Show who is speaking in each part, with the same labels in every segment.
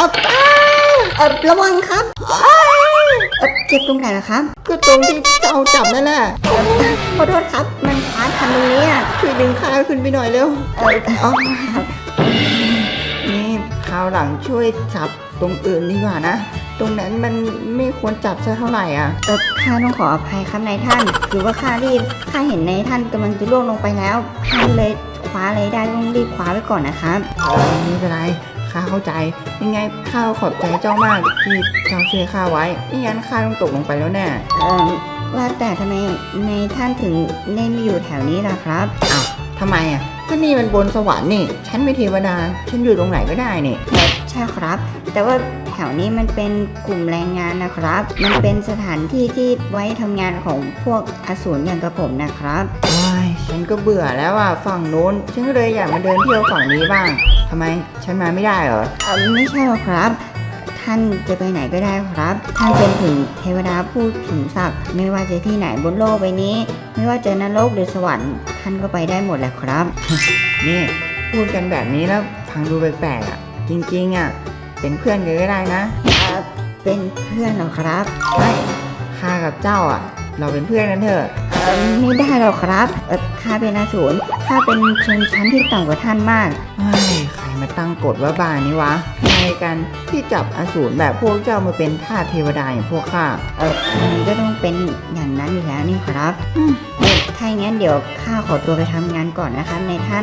Speaker 1: ระวังครับเจ็บตรงไหนล่ะครับ
Speaker 2: ก็ตรงที่เจ้าจับนั่นแหละ
Speaker 1: ขอโทษครับมันคว้าทันตรงนี้
Speaker 2: ช่วยดึงข้าขึ้นไปหน่อยเร็ว
Speaker 1: ครับ
Speaker 2: นี่คราวหลังช่วยจับตรงอื่นดีกว่านะตรงนั้นมันไม่ควรจับซะเท่าไหร่
Speaker 1: ข้าต้องขออภัยครับนายท่านคือว่าข้ารีบข้าเห็นนายท่านกำลังจะล่วงลงไปแล้วข้าเลยคว้าอะไรได้ต้องรีบคว้าไว้ก่อนนะครับ
Speaker 2: ไม่เป็นไรข้าเข้าใจยังไงข้าขอบใจเจ้ามากที่เจ้าช่วยข้าไว้ไม่งั้นข้าต้องตกลงไปแล้วแน่
Speaker 1: ว่าแต่ทำไมนายท่านถึงได้มาอยู่แถวนี้ล่ะครับ
Speaker 2: อ้าวทำไมก็นี่มันบนสวรรค์นี่ฉันไม่เทวดาฉันอยู่ตรงไหนก็ได้นี่
Speaker 1: ใช่ครับแต่ว่าแถวนี้มันเป็นกลุ่มแรงงานนะครับมันเป็นสถานที่ที่ไว้ทำงานของพวกอสูรอย่างกระผมนะครับ
Speaker 2: ฉันก็เบื่อแล้วฝั่งโน้นฉันก็เลยอยากมาเดินเที่ยวฝั่งนี้บ้างทำไมฉันมาไม่ได้เหรอ
Speaker 1: ไม่ใช่หรอกครับท่านจะไปไหนก็ได้ครับท่านเป็นถึงเทวดาผู้สูงศักดิ์ไม่ว่าจะที่ไหนบนโลกใบนี้ไม่ว่าจะนรกหรือสวรรค์ท่านก็ไปได้หมดแหละครับ
Speaker 2: นี่พูดกันแบบนี้แล้วฟังดูแปลกๆจริงๆเป็นเพื่อนกันก็ได้นะ
Speaker 1: เป็นเพื่อนเหรอครับ
Speaker 2: ใช่ข้ากับเจ้าเราเป็นเพื่อนกันเถอะ
Speaker 1: ไม่ได้หรอกครับข้าเป็นอสูรข้าเป็นชนชั้นที่ต่ำกว่าท่านมาก
Speaker 2: ใครมาตั้งกฎว่าบ้านี้วะใครกันที่จับอสูรแบบพวกเจ้ามาเป็นทาสเทวดาอย่างพวกข้า
Speaker 1: มันก็ต้องเป็นอย่างนั้นอยู่แล้วนี่ครับถ้าอย่างนั้นเดี๋ยวข้าขอตัวไปทำงานก่อนนะครับนายท่าน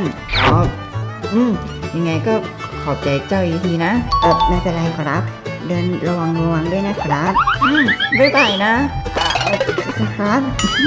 Speaker 2: ยังไงก็ขอบใจเจ้าอีกทีนะ
Speaker 1: ไม่เป็นไรครับเดินระวังด้วยนะครับ
Speaker 2: บ๊ายบายนะครับ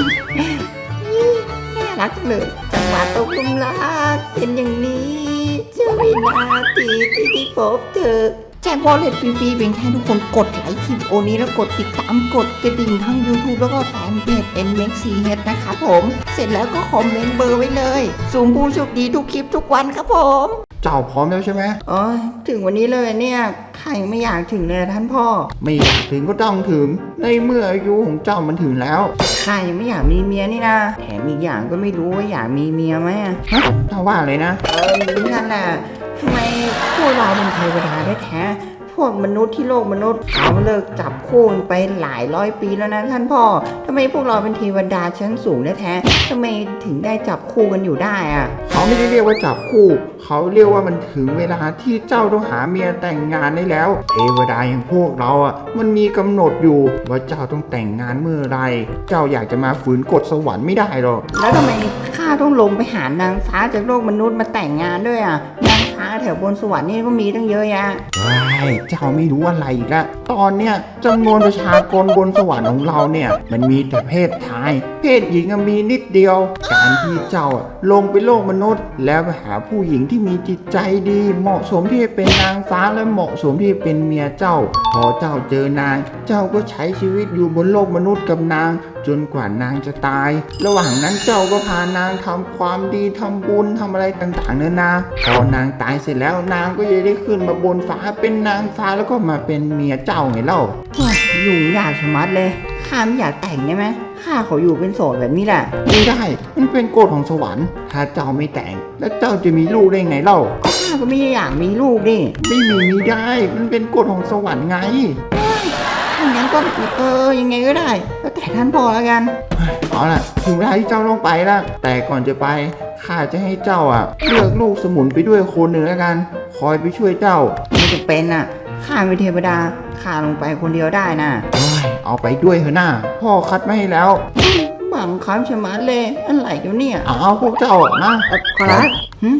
Speaker 2: น่ารักเลยจังหวะตกลุมรักเป็นอย่างนี้จะวินาทีที่พบเธอแจ้งวอลเล็ตฟรีๆเพียงแค่ทุกคนกดไลค์คลิปโอนี้แล้วกดติดตามกดกระดิ่งทั้ง YouTube แล้วก็แฟนเพจ NMAX4H นะครับผมเสร็จแล้วก็คอมเมนต์เบอร์ไว้เลยสุ่มผู้โชคดีทุกคลิปทุกวันครับผมเจ้าพร้อมแล้วใช่ไหมถึงวันนี้เลยเนี่ยใครไม่อยากถึงเลยท่านพ่อไม่อยากถึงก็ต้องถึงในเมื่ออายุของเจ้ามันถึงแล้วใครยังไม่อยากมีเมียนี่นะแถมอีกอย่างก็ไม่รู้ว่าอยากมีเมียไหมเจ้าว่าเลยนะนั่นแหละทำไมพวกเราเป็นเทวดาได้แท้พวกมนุษย์ที่โลกมนุษย์เขาเลิกจับคู่ไปหลายร้อยปีแล้วนะท่านพ่อทำไมพวกเราเป็นเทวดาชั้นสูงได้แท้ทำไมถึงได้จับคู่กันอยู่ได้เขาไม่ได้เรียกว่าจับคู่เขาเรียกว่ามันถึงเวลาที่เจ้าต้องหาเมียแต่งงานได้แล้วเทวดาอย่างพวกเรามันมีกำหนดอยู่ว่าเจ้าต้องแต่งงานเมื่อไรเจ้าอยากจะมาฝืนกฎสวรรค์ไม่ได้หรอกแล้วทำไมข้าต้องลงไปหานางฟ้าจากโลกมนุษย์มาแต่งงานด้วยนางฟ้าแถวบนสวรรค์นี่ก็มีตั้งเยอะแยะเจ้าไม่รู้อะไรอีกละตอนเนี้ยจำนวนประชากรบนสวรรค์ของเราเนี่ยมันมีแต่เพศชายเพศหญิงมีนิดเดียวการที่เจ้าลงไปโลกมนุษย์แล้วไปหาผู้หญิงที่มีจิตใจดีเหมาะสมที่จะเป็นนางฟ้าและเหมาะสมที่จะเป็นเมียเจ้าพอเจ้าเจอนางเจ้าก็ใช้ชีวิตอยู่บนโลกมนุษย์กับนางจนกว่านางจะตายระหว่างนั้นเจ้าก็พานางทำความดีทำบุญทำอะไรต่างๆเนื้อนาพอนางตายเสร็จแล้วนางก็จะได้ขึ้นมาบนฟ้าเป็นนางฟ้าแล้วก็มาเป็นเมียเจ้าไงเล่ายุ่งยากชะมัดเลยข้าไม่อยากแต่งได้ไหมข้าขออยู่เป็นโสดแบบนี้แหละไม่ได้มันเป็นกฎของสวรรค์ถ้าเจ้าไม่แต่งแล้วเจ้าจะมีลูกได้ไงเล่าก็ข้าก็ไม่อยากมีลูกดิไม่ได้มันเป็นกฎของสวรรค์ไงถ้างั้นก็ยังไงก็ได้แล้วแต่ท่านพอแล้วกันเอาล่ะถึงเวลาที่เจ้าต้องไปแล้วแต่ก่อนจะไปข้าจะให้เจ้าเลือกลูกสมุนไปด้วยคนหนึ่งแล้วกันคอยไปช่วยเจ้าไม่จะเป็นข้าเป็นเทวดาข้าลงไปคนเดียวได้นะเอาไปด้วยเถอะหน้าพ่อคัดมาให้แล้วบังคับชะมัดเลยอะไรกันเนี่ยเอาพวกเจ้านะ
Speaker 1: ขอรับ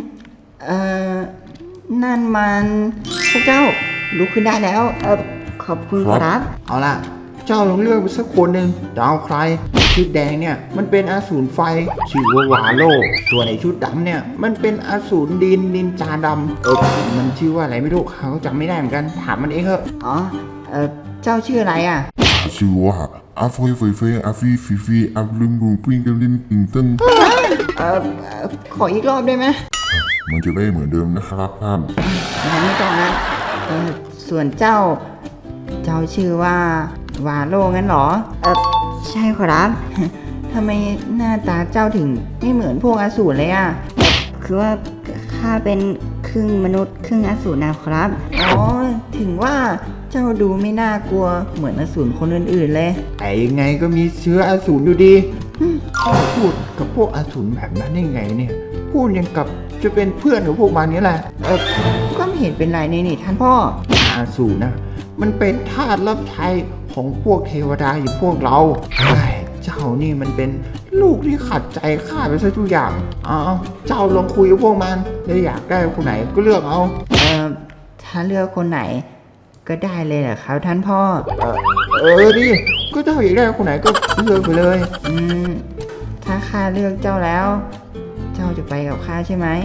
Speaker 2: นั่นมันพวกเจ้าลุกขึ้นได้แล้ว
Speaker 1: ขอบคุณครับ
Speaker 2: เอาล่ะเจ้าลองเลือกไปสักคนหนึ่งจะเอาใครชุดแดงเนี่ยมันเป็นอสูรไฟชื่อว่าวาโลส่วนไอชุดดำเนี่ยมันเป็นอสูรดินนินจาดำมันชื่อว่าอะไรไม่รู้เขาจำไม่ได้เหมือนกันถามมันเองเถอะเจ้าชื่ออะไร
Speaker 3: ชื่อว่าอาฟอยไฟไฟอาฟีฟีฟีอาลืมรูปิ้งกันลินปิงตึ้ง
Speaker 2: ขออีกรอบได้ไหม
Speaker 3: มันจะได้เหมือนเดิมนะครับท่าน
Speaker 2: ไม่ต้องนะส่วนเจ้าชื่อว่าวาโลงั้นหรอ
Speaker 1: ใช่ครับ
Speaker 2: ทำไมหน้าตาเจ้าถึงไม่เหมือนพวกอสูรเลย
Speaker 1: คือว่าข้าเป็นรึ่งมนุษย์ครึ่งอสูรนะครับ
Speaker 2: อ๋อถึงว่าเจ้าดูไม่น่ากลัวเหมือนอสูรคนอื่นๆเลยแต่ยังไงก็มีเชื้ออสูรอยู่ดีพูดกับพวกอสูรแบบนั้นได้ไงเนี่ยพูดยังกับจะเป็นเพื่อนของพวกมันนี่แหละก็ไม่เห็นเป็นไรนี่ท่านพ่ออสูรนะมันเป็นทาสรับใช้ของพวกเทวดาอย่างพวกเราเจ้านี่มันเป็นลูกที่ขัดใจข้าไปซะทุกอย่างเจ้าลองคุยกับพวกมันแล้วอยากได้คนไหนก็เลือกเอา
Speaker 1: ถ้าเลือกคนไหนก็ได้เลยเหรอครับท่านพ่อ
Speaker 2: ดิก็เจ้าอยากได้คนไหนก็เลือกไปเลย
Speaker 1: ถ้าข้าเลือกเจ้าแล้ว เจ้าจะไปกับข้าใช่ไหม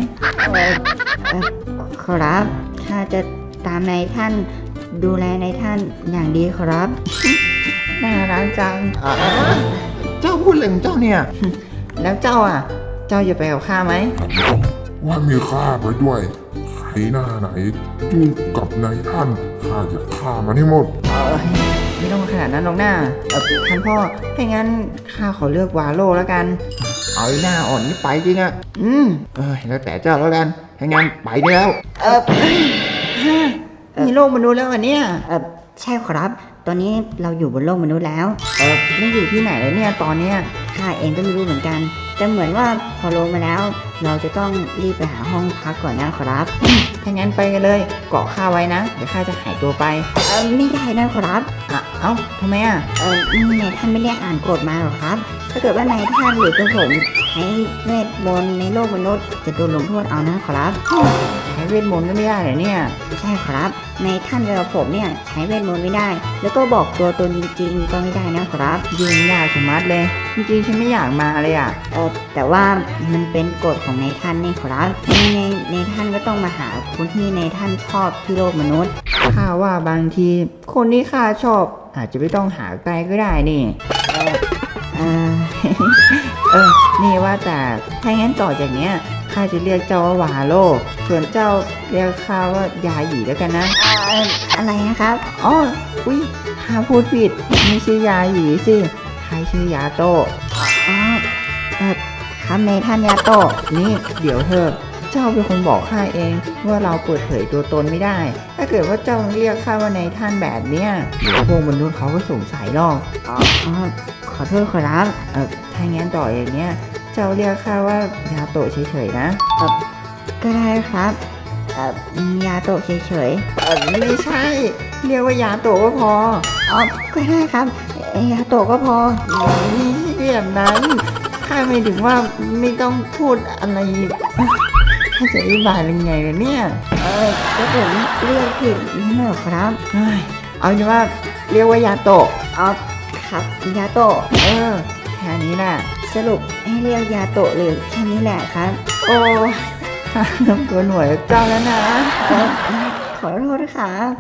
Speaker 1: ครับข้าจะตามนายท่านดูแลนายท่านอย่างดีครับ
Speaker 2: น่ารักจังเจ้าพูดอะไรของเจ้าเนี่ย
Speaker 1: แล้วเจ้าเจ้าจะไปกับข้าไหม
Speaker 3: ว่ามีข้าไปด้วยใครหน้าไหนยุ่งกับนายท่านข้าจะฆ่ามันให้หมด
Speaker 1: ไม่ต้องขนาดนั้นหรอกหน้าท่านพ่อถ้างั้นข้าขอเลือกวาโลแล้วกัน
Speaker 2: เอาหน้าอ่อนนี่ไปจริงอะแล้วแต่เจ้าแล้วกันถ้างั้นไปได้แล้ว
Speaker 1: มีโลกมนุษย์แล้วเหรอเนี่ยใช่ครับตอนนี้เราอยู่บนโลกมนุษย์แล้วไม่อยู่ที่ไหนเลยเนี่ยตอนเนี้ยข้าเองก็ไม่รู้เหมือนกันแต่เหมือนว่าพอลงมาแล้ว เราจะต้องรีบไปหาห้องพักก่อนนะครับถ้างั้นไปกันเลยเกาะข้าไว้นะเดี๋ยวข้าจะหายตัวไปไม่ได้นะครับเอ้าทำไมนี่นายท่านไม่ได้อ่านกฎมาหรอครับถ้าเกิดว่านายท่านหรือตัวผมใช้เวทมนต์ในโลกมนุษย์จะโดนลงโทษเอานะครับใช้เวทมนต์ก็ไม่ได้เหรอเนี่ยใช่ครับในท่านกับผมเนี่ยใช้เวทมนต์ไม่ได้แล้วก็บอกตัวตนจริงๆก็ไม่ได้นะครับยุ่งยากสมัดเลยจริงๆฉันไม่อยากมาเลยแต่ว่ามันเป็นกฎของในท่านนี่ครับในท่านก็ต้องมาหาคนที่ในท่านชอบที่โลกมนุษย์ข้าว่าบางทีคนที่ข้าชอบอาจจะไม่ต้องหาไกลก็ได้นี่นี่ว่าแต่ถ้างั้นต่อจากเนี้ยข้าจะเรียกเจ้าว่าวาโลส่วนเจ้าเรียกข้าว่ายาหยีแล้วกันนะอะไรนะครับอุ้ยข้าพูดผิดไม่ใช่ยาหยีสิข้าชื่อยาโตครับในท่านยาโตนี่เดี๋ยวเถอะเจ้าเป็นคนบอกข้าเองว่าเราเปิดเผยตัวตนไม่ได้ถ้าเกิดว่าเจ้าเรียกข้าว่าในท่านแบบเนี้ยเดี๋ยวพวกมนุษย์เขาก็สงสัยหรอกขอโทษครับถ้างั้นต่ออย่างเนี้ยเจ้าเรียกข้าว่ายาโตะเฉยๆนะก็ได้ครับยาโตะเฉยๆไม่ใช่เรียกว่ายาโตะก็พอก็ได้ครับยาโตะก็พอนี่แบบนั้นข้าไม่ถึงว่าไม่ต้องพูดอะไรข้าจะอธิบายยังไงล่ะเนี่ยก็ผมเรียกผิดนี่เหรอครับเอาเป็นว่าเรียกว่ายาโตะครับยาโตะแค่นี้แหละสรุปให้เรียกยาโตะหรือแค่นี้แหละครับโอ้ข้าเริ่มตัวหน่วยเจ้าแล้วนะขอโทษครับ